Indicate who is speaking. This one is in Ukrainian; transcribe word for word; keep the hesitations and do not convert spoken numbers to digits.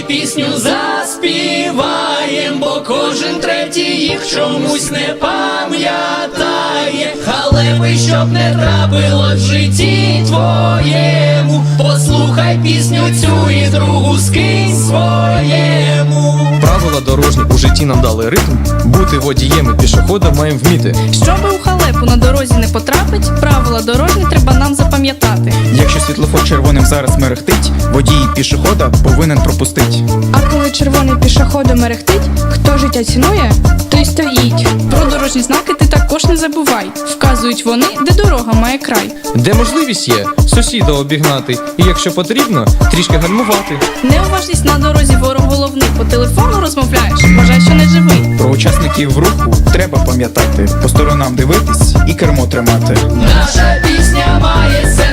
Speaker 1: пісню заспіваєм, бо кожен третій їх чомусь не пам'ятає. Халепи, щоб не трапило в житті твоєму, послухай пісню цю і другу скинь своєму.
Speaker 2: Правила дорожні у житті нам дали ритм. Бути водієм і пішоходом маємо вміти.
Speaker 3: Щоби у халепу на дорозі не потрапить, правила дорожні треба нам запам'ятати.
Speaker 4: Якщо світлофор червоним зараз мерехтить, водій пішохода повинен пропустить.
Speaker 3: А коли червоний пішоходом мерехтить, хто життя цінує, той стоїть. Про дорожні знаки ти також не забувай. Вказують вони, де дорога має край.
Speaker 2: Де можливість є сусіда обігнати, і якщо потрібно, трішки гальмувати.
Speaker 3: Неуважність на дорозі ворог головний. По телефону розмовляєш, вважай, що не живий.
Speaker 4: Про учасників руху треба пам'ятати, по сторонам дивитись і кермо тримати.
Speaker 1: Наша пісня має